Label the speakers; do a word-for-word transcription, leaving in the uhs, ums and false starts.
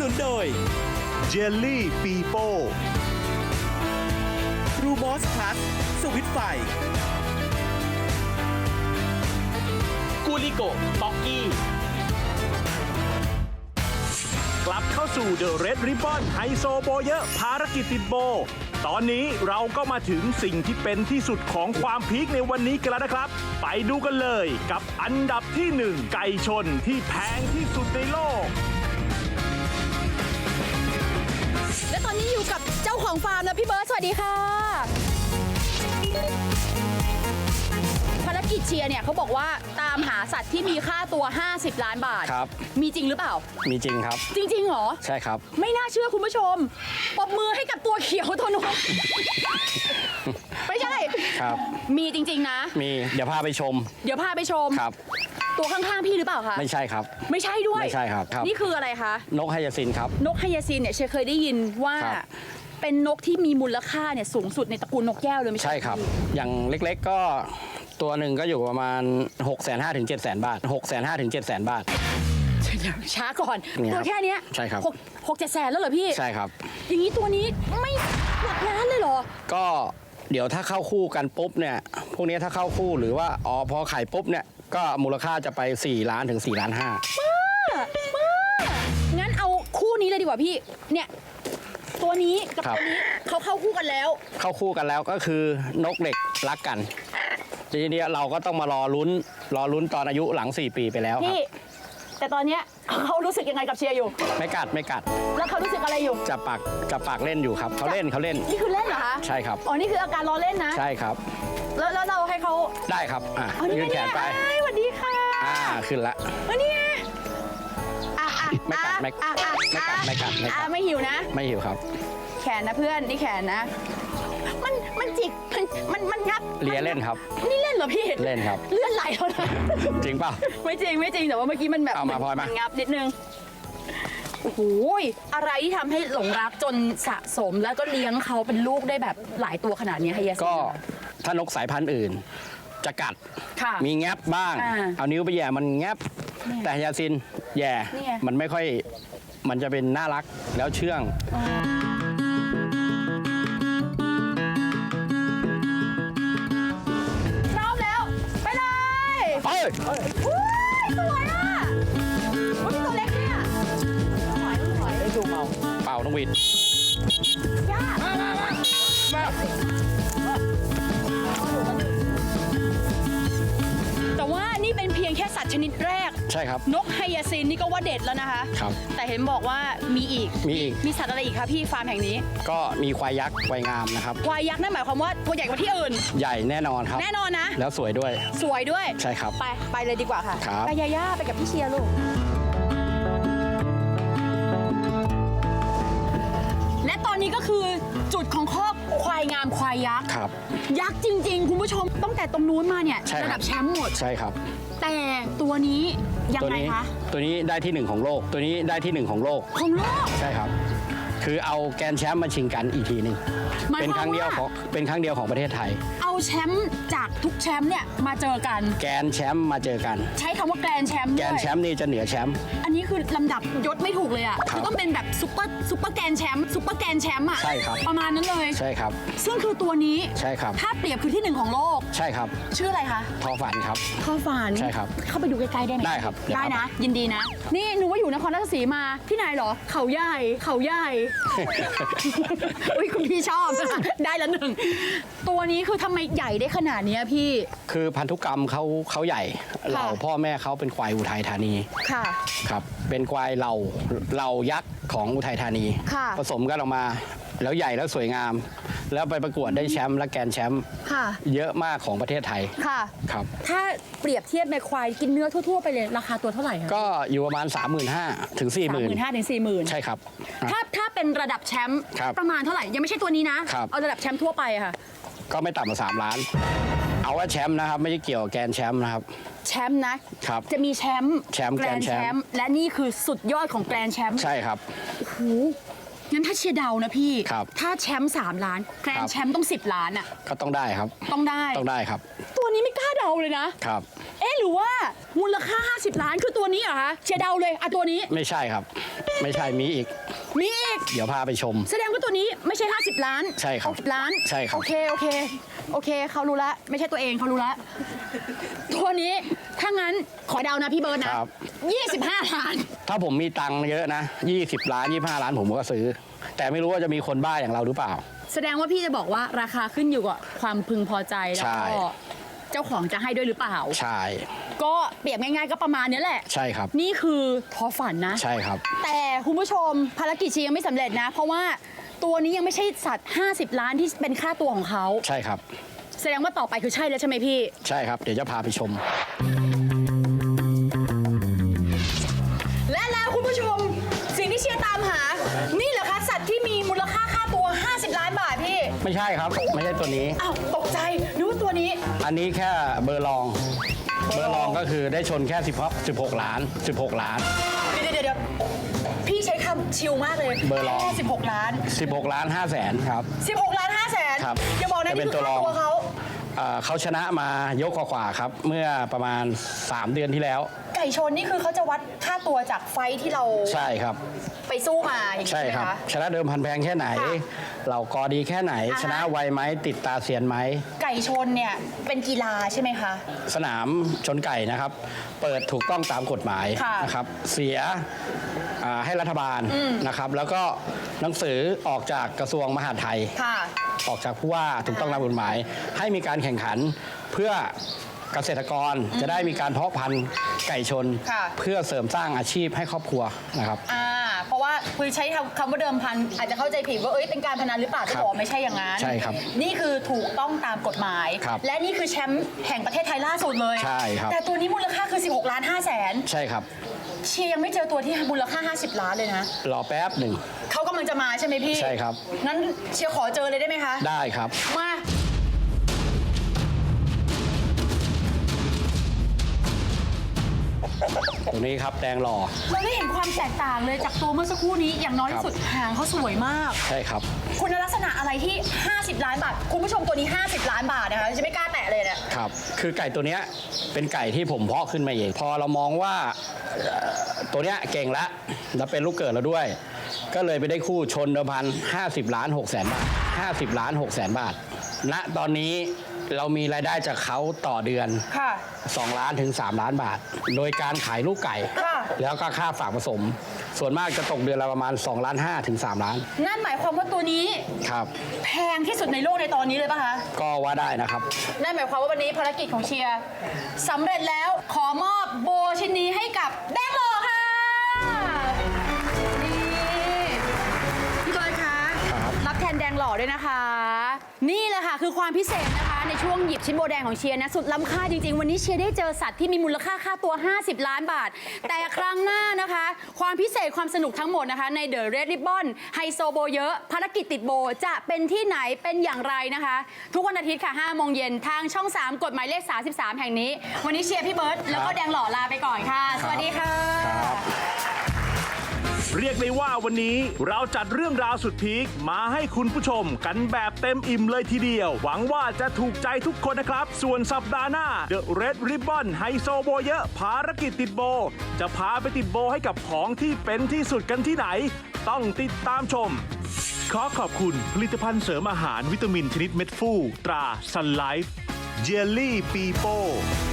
Speaker 1: นุนโดยเจลลี่ปีโป้รูมอสพลัสสวิตไฟกูลิโกต็อกกี้กลับเข้าสู่ The Red Ribbon ไฮโซโบเยอะภารกิจติดโบตอนนี้เราก็มาถึงสิ่งที่เป็นที่สุดของความพีคในวันนี้กันแล้วนะครับ ไปดูกันเลยกับอันดับที่หนึ่งไก่ชนที่แพงที่สุดในโลก
Speaker 2: และตอนนี้อยู่กับเจ้าของฟาร์มแล้วพี่เบิร์ตสวัสดีค่ะภารกิจเชียร์เนี่ยเขาบอกว่าตามหาสัตว์ที่มีค่าตัวห้าสิบล้านบาท
Speaker 3: ครับ
Speaker 2: มีจริงหรือเปล่า
Speaker 3: มีจริงครับ
Speaker 2: จริงๆเหรอ
Speaker 3: ใช่ครับ
Speaker 2: ไม่น่าเชื่อคุณผู้ชมปรบมือให้กับตัวเขียวตัวนู้นไม่ใช่
Speaker 3: ครับ
Speaker 2: มีจริงๆนะ
Speaker 3: มีเดี๋ยวพาไปชม
Speaker 2: เดี๋ยวพาไปชม
Speaker 3: ครับ
Speaker 2: ตัวข้างๆพี่หรือเปล่าคะ
Speaker 3: ไม่ใช่ครับ
Speaker 2: ไม่ใช่ด้วย
Speaker 3: ไม่ใช่ครับ
Speaker 2: นี่คืออะไรคะ
Speaker 3: นกไฮยาซินครับ
Speaker 2: นกไฮยาซินเนี่ยเชยเคยได้ยินว่าเป็นนกที่มีมูลค่าเนี่ยสูงสุดในตระกูลนกแก้วเลยไม่ใช่
Speaker 3: ใช่ครับอย่างเล็กๆก็ตัวหนึ่งก็อยู่ประมาณ หกแสนห้า ถึง เจ็ดแสน บาท หกแสนห้า ถึง เจ็ดแสน บาท
Speaker 2: ช้าก่อนตัวแค่นี้
Speaker 3: ใช่ครับ
Speaker 2: หกเจ็ดแสนแล้วเหรอพี่
Speaker 3: ใช่ครับ
Speaker 2: อย่างนี้ตัวนี้ไม่หลักล้านเลยเหรอ
Speaker 3: ก็เดี๋ยวถ้าเข้าคู่กันปุ๊บเนี่ยพวกนี้ถ้าเข้าคู่หรือว่าอ๋อพอไข่ปุ๊บเนี่ยก็มูลค่าจะไปสี่ล้านถึงสี่ล้านห้า
Speaker 2: บ้าบ้างั้นเอาคู่นี้เลยดีกว่าพี่เนี่ยตัวนี้กับตัวนี้เขาเข้าคู่กันแล้ว
Speaker 3: เข้าคู่กันแล้วก็คือนกเด็กรักกันทีนี้เราก็ต้องมารอลุ้นรอลุ้นตอนอายุหลังสี่ปีไปแล้วครับ
Speaker 2: แต่ตอนนี้เขารู้สึกยังไงกับเชียร์อยู่
Speaker 3: ไม่กัดไม่กัด
Speaker 2: แล้วเขารู้สึกอะไรอยู่
Speaker 3: จับปากจับปากเล่นอยู่ครับเขาเล่นเขาเล่น
Speaker 2: นี่คือเล่นเหรอคะ
Speaker 3: ใช่ครับ
Speaker 2: อ๋อนี่คืออาการล้อเล่นนะ
Speaker 3: ใช่ครับ
Speaker 2: แล้วแล้วเราให้เขา
Speaker 3: ได้ครับอ่ะยืนแขนไป
Speaker 2: สวัสดีค่ะ
Speaker 3: อ่าขึ้นละ
Speaker 2: วันนี้อ่ะอ่ะ
Speaker 3: ไม่กัดไม่กัดไม่กัดไม่กัดไม่กัด
Speaker 2: ไม่หิวนะ
Speaker 3: ไม่หิวครับ
Speaker 2: แขนนะเพื่อนนี่แขนนะมันมันจิกมันมันมันงับ
Speaker 3: เลียเล่นครับ
Speaker 2: นี่เล่นเหรอพี่
Speaker 3: เล่นครับ
Speaker 2: เลื่อนไหลแล้วนะ
Speaker 3: จริงเปล่า
Speaker 2: ไม่จริงไม่จริงแต่ว่าเมื่อกี้มันแบบ
Speaker 3: เอามาพลอยมา
Speaker 2: งับนิดนึงโอ้โหอะไรที่ทำให้หลงรักจนสะสมแล้วก็เลี้ยงเขาเป็นลูกได้แบบหลายตัวขนาดนี้ไฮยาซิน
Speaker 3: ก็ถ้านกสายพันธุ์อื่นจะกัดมีแงบบ้างเอานิ้วไปแย่มันแงบแต่ไฮยาซินแย่มันไม่ค่อยมันจะเป็นน่ารักแล้วเชื่อง
Speaker 2: พร้อมแล้วไปเลย
Speaker 3: ไป
Speaker 2: สวยอ่ะวันนี้ตัวเล็กเนี่ยสวยสวย
Speaker 3: ได้ดูเมาเป่าต้องวิด
Speaker 2: ยากมามามาแต่ว่านี่เป็นเพียงแค่สัตว์ชนิดแรก
Speaker 3: ใช่ครับ
Speaker 2: นกไฮยาซินนี่ก็ว่าเด็ดแล้วนะคะ
Speaker 3: ครับ
Speaker 2: แต่เห็นบอกว่ามีอีก
Speaker 3: มีอีก
Speaker 2: มีสัตว์อะไรอีกคะพี่ฟาร์มแห่งนี้
Speaker 3: ก็มีควายยักษ์ควายงามนะครับ
Speaker 2: ควายยักษ์นั่นหมายความว่าตัวใหญ่กว่าที่อื่น
Speaker 3: ใหญ่แน่นอนครับ
Speaker 2: แน่นอนนะ
Speaker 3: แล้วสวยด้วย
Speaker 2: สวยด้วย
Speaker 3: ใช่ครับ
Speaker 2: ไปไปเลยดีกว่าค่ะ
Speaker 3: ครับ
Speaker 2: ไปยาย่าไปกับพี่เชียร์ลูกและตอนนี้ก็คือจุดของคอกควายงามควายยักษ์
Speaker 3: ครับ
Speaker 2: ยักษ์จริงๆคุณผู้ชมตั้งแต่ตรงนู้นมาเนี่ยระดับแชมป์หมด
Speaker 3: ใช่ครับ
Speaker 2: แต่ตัวนี้ยังไงคะ
Speaker 3: ตัวนี้ได้ที่หนึ่งของโลกตัวนี้ได้ที่หนึ่งของโลก
Speaker 2: ของโลก
Speaker 3: ใช่ครับคือเอาแกนแชมป์มาชิงกันอีกทีหนึ่งเป็นครั้งเดียวของเป็นครั้งเดียวของประเทศไทย
Speaker 2: เอาแชมป์จากทุกแชมป์เนี่ยมาเจอกัน
Speaker 3: แกนแชมป์มาเจอกัน
Speaker 2: ใช้คำว่าแกนแชมป์
Speaker 3: แกนแชมป์นี่จะเหนือแชมป์
Speaker 2: อันนี้คือลำดับยศไม่ถูกเลยอ่ะคือต้องเป็นแบบซุปเปอร์ซุปเปอร์แกนแชมป์ซุปเปอร์แกนแชมป์อ่ะ
Speaker 3: ใช่ครับ
Speaker 2: ประมาณนั้นเลย
Speaker 3: ใช่ครับ
Speaker 2: ซึ่งคือตัวนี้
Speaker 3: ใช่ครับ
Speaker 2: ถ้าเปรียบคือที่หนึ่งของโลก
Speaker 3: ใช่ครับ
Speaker 2: ชื่ออะไรคะ
Speaker 3: ทอฝันครับ
Speaker 2: ทอฝัน
Speaker 3: ใช่ครับ
Speaker 2: เข้าไปดูใกล้ๆได้ไหม
Speaker 3: ได้ครับ
Speaker 2: ได้นะยินดีนะนี่หนูว่าอยู่นครราชสีมาที่ไหนเหรอเขาใหญ่เขาใหญ่อุ้ยคุณพี่ชอบได้ละหนึ่งตัวนี้คือทำไมใหญ่ได้ขนาดนี้พี่
Speaker 3: คือพันธุกรรมเขาเขาใหญ่เราพ่อแม่เขาเป็นควายอุทัยธานี
Speaker 2: ค่ะ
Speaker 3: ครับเป็นควายเราเรายักษ์ของอุทัยธานีผสมกันออกมาแล้วใหญ่แล้วสวยงามแล้วไปประกวดได้แชมป์และแกนแชมป์เยอะมากของประเทศไทย
Speaker 2: ค่ะ
Speaker 3: ครับ
Speaker 2: ถ้าเปรียบเทียบในควายกินเนื้อทั่วๆไปเลยราคาตัวเท่าไหร่คะ
Speaker 3: ก็อยู่ประมาณ สามหมื่นห้าพัน ถึง สี่หมื่น
Speaker 2: สามหมื่นห้าพัน ถึง สี่หมื่น
Speaker 3: ใช่ครับ
Speaker 2: ถ้าถ้าเป็นระดับแชมป์ประมาณเท่าไหร่ยังไม่ใช่ตัวนี้นะเอาระดับแชมป์ทั่วไปค่ะ
Speaker 3: ก็ไม่ต่ำกว่าสามล้านเอาว่าแชมป์นะครับไม่ใช่เกี่ยวกับแกนแชมป์นะครับ
Speaker 2: แชมป์นะครับจะมีแชมป์
Speaker 3: แชมป์แกรนแชมป์
Speaker 2: และนี่คือสุดยอดของแกรนแชมป์
Speaker 3: ใช่ครับ
Speaker 2: โอ้โหงั้นถ้าเชียร์เดานะพี่
Speaker 3: ครับ
Speaker 2: ถ้าแชมป์สามล้านแกรนแชมป์ต้องสิบล้านอ่ะ
Speaker 3: ก็ต้องได้ครับ
Speaker 2: ต้องได้
Speaker 3: ต้องได้ครับ
Speaker 2: ตัวนี้ไม่กล้าเดาเลยนะครับเอ๊ะหรือว่ามูลค่าห้าสิบล้านคือตัวนี้เหรอคะเชียร์เดาเลยอ่ะตัวนี้
Speaker 3: ไม่ใช่ครับไม่ใช่มีอีก
Speaker 2: มีอีก
Speaker 3: เดี๋ยวพาไปชม
Speaker 2: แสดงว่าตัวนี้ไม่ใช่ ห้าสิบ ล้าน
Speaker 3: ใช่ครับ
Speaker 2: หกสิบล้าน
Speaker 3: ใช่ครับ
Speaker 2: โอเคโอเคโอเคเขารู้ละไม่ใช่ตัวเองเขารู้ละตัวนี้ถ้างั้นขอเดานะพี่เบิร์ดนะครับ ยี่สิบห้าล้าน
Speaker 3: ถ้าผมมีตังค์เยอะนะยี่สิบล้านยี่สิบห้าล้านผมก็ซื้อ แต่ไม่รู้ว่าจะมีคนบ้าอย่างเราหรือเปล่า
Speaker 2: แสดงว่าพี่จะบอกว่าราคาขึ้นอยู่กับความพึงพอใจแล้ว
Speaker 3: ใช่
Speaker 2: ก็เจ้าของจะให้ด้วยหรือเปล่า
Speaker 3: ใช่
Speaker 2: ก็เปรียบง่ายๆก็ประมาณนี้แหละ
Speaker 3: ใช่ครับ
Speaker 2: นี่คือทอฝันนะ
Speaker 3: ใช่ครับ
Speaker 2: แต่คุณผู้ชมภารกิจชียังไม่สำเร็จนะ เพราะว่าตัวนี้ยังไม่ใช่สัตว์ ห้าสิบ ล้านที่เป็นค่าตัวของเขา
Speaker 3: ใช่ครับ
Speaker 2: แสดงว่าต่อไปคือใช่แล้วใช่ไหมพี่
Speaker 3: ใช่ครับ เดี๋ยวจะพาไปชม
Speaker 2: และแล้วคุณผู้ชมสิ่งที่เชียร์ตามหา นี่เหรอคะสัตว์ที่มีมูลค่าค่าตัว ห้าสิบ ล้านบาทพี่
Speaker 3: ไม่ใช่ครับ ไม่ใช่ตัวนี้
Speaker 2: อ้าวตกใจนึกว่าตัวนี้
Speaker 3: อันนี้แค่เบอร์รอง เบอร์รองก็คือได้ชนแค่สิบหกล้าน สิบหกล้าน
Speaker 2: เดี๋ยวเดี๋ยวเดี๋ยวพี่ใช้คำชิลมากเลย
Speaker 3: เบอร์รอง
Speaker 2: แค่สิบหกล้าน
Speaker 3: สิบหกล้านห้าแสนครับ
Speaker 2: สิบหกล้านห้าแสน
Speaker 3: ครับ
Speaker 2: อย่าบอกนะ
Speaker 3: จะเป็
Speaker 2: นี่
Speaker 3: น
Speaker 2: คือ
Speaker 3: ตัว
Speaker 2: ค่าร
Speaker 3: อง
Speaker 2: ตัวเขา
Speaker 3: เอ่อเขาชนะมายกกว่าๆครับ เมื่อประมาณ สาม เดือนที่แล้ว
Speaker 2: ไก่ชนนี่คือเขาจะวัดค่าตัวจากไฟท์ที่เรา
Speaker 3: ใช่ครับ
Speaker 2: ไปสู้มาอย่างนี้
Speaker 3: ใช่
Speaker 2: ใช่ไหม
Speaker 3: ครับ
Speaker 2: คะ
Speaker 3: ชนะเดิมพันแพงแค่ไหน
Speaker 2: ค่ะ
Speaker 3: เรากอดีแค่ไหน
Speaker 2: อ่าฮะ
Speaker 3: ชนะไวไหม ติดตาเสียนไหม
Speaker 2: ไก่ชนเนี่ยเป็นกีฬาใช่ไหมคะ
Speaker 3: สนามชนไก่นะครับ เปิดถูกต้องตามกฎหมาย
Speaker 2: ค่ะ
Speaker 3: นะครับ เสียอ่าให้รัฐบาลนะครับ แล้วก็หนังสือออกจากกระทรวงมหาดไทย
Speaker 2: ค่ะ
Speaker 3: ออกจากผู้ว่าถูกต้องตามกฎหมาย ให้มีการแข่งขันเพื่อเกษตรกรจะได้มีการเพาะพันธุ์ไก่ชน
Speaker 2: ค่ะ
Speaker 3: เพื่อเสริมสร้างอาชีพให้ครอบครัวนะครับ
Speaker 2: อ่าเพราะว่าคือใช้คำว่าเดิมพันอาจจะเข้าใจผิดว่าเอ้ยเป็นการพนันหรือเปล่า
Speaker 3: ครั
Speaker 2: จะ
Speaker 3: บ
Speaker 2: บอกไม่ใช่อย่างนั้น
Speaker 3: ใช่ครับ
Speaker 2: นี่คือถูกต้องตามกฎหมาย
Speaker 3: ครับ
Speaker 2: และนี่คือแชมป์แห่งประเทศไทยล่าสุดเลย
Speaker 3: ใช่ครับ
Speaker 2: แต่ตัวนี้มูลค่าคือสิบหกล้านห้าแสน
Speaker 3: ใช่ครับ
Speaker 2: เชียร์ยังไม่เจอตัวที่มูลค่าห้าสิบล้านเลยนะ
Speaker 3: รอแป๊บหนึ่ง
Speaker 2: เขากำลังจะมาใช่ไหมพี่
Speaker 3: ใช่ครับ
Speaker 2: งั้นเชียร์ขอเจอเลยได้ไหมคะ
Speaker 3: ได้ครับ
Speaker 2: มา
Speaker 3: ตรงนี้ครับแดงหล่อ
Speaker 2: เราได้เห็นความแตกต่างเลยจากตัวเมื่อสักครู่นี้อย่างน้อยที่สุดหางเขาสวยมาก
Speaker 3: ใช่ครับ
Speaker 2: คุณลักษณะอะไรที่ ห้าสิบ ล้านบาท คุณผู้ชมตัวนี้ ห้าสิบ ล้านบาทนะคะจะไม่กล้าแตะเลยเนี่ย
Speaker 3: ครับ คือไก่ตัวเนี้ยเป็นไก่ที่ผมเพาะขึ้นมาเอง พอเรามองว่าเอ่อตัวเนี้ยเก่งแล้วแล้วเป็นลูกเกิดแล้วด้วย ก็เลยไปได้คู่ชนเดิมพันห้าสิบล้านหกแสนบาทห้าสิบล้านหกแสนบาท ณ ตอนนี้เรามีรายได้จากเขาต่อเดือน
Speaker 2: ค่ะ
Speaker 3: สองล้านถึงสามล้านบาท โดยการขายลูกไก่
Speaker 2: ค่ะ
Speaker 3: แล้วก็ค่าฝากผสม ส่วนมากจะตกเดือนละประมาณสองล้านห้าถึงสามล้าน
Speaker 2: นั่นหมายความว่าตัวนี้
Speaker 3: ครับ
Speaker 2: แพงที่สุดในโลกในตอนนี้เลยป่ะคะ
Speaker 3: ก็ว่าได้นะครับ
Speaker 2: นั่นหมายความว่าวันนี้ภารกิจของเชียร์สำเร็จแล้วขอมอบโบชิ้นนี้ให้กับแดงโลค่ะ นี่พี่บอยคะ
Speaker 3: ครับ
Speaker 2: รับแทนแดงหล่อด้วยนะคะ นี่แหละค่ะคือความพิเศษนะคะในช่วงหยิบชิ้นโบแดงของเชียร์นะสุดล้ำค่าจริงๆ วันนี้เชียร์ได้เจอสัตว์ที่มีมูลค่าค่าตัว ห้าสิบ ล้านบาท แต่ครั้งหน้านะคะ ความพิเศษความสนุกทั้งหมดนะคะใน The Red Ribbon ไฮโซโบเยอะภารกิจติดโบจะเป็นที่ไหนเป็นอย่างไรนะคะ ทุกวันอาทิตย์ค่ะห้าโมงเย็นทางช่อง สาม กฎหมายเลขสามสิบสามแห่งนี้ วันนี้เชียร์พี่เบิร์ตแล้วก็แดงหล่อลาไปก่อนค่ะ สวัสดีค่ะ
Speaker 3: ครับ
Speaker 1: เรียกได้ว่าวันนี้เราจัดเรื่องราวสุดพีคมาให้คุณผู้ชมกันแบบเต็มอิ่มเลยทีเดียว หวังว่าจะถูกใจทุกคนนะครับ ส่วนสัปดาห์หน้า The Red Ribbon ไฮโซโบเยอะภารกิจติดโบ จะพาไปติดโบให้กับของที่เป็นที่สุดกันที่ไหน ต้องติดตามชม ขอขอบคุณผลิตภัณฑ์เสริมอาหารวิตามินชนิดเม็ดฟูตรา Sun Life เจลลี่ปีโป้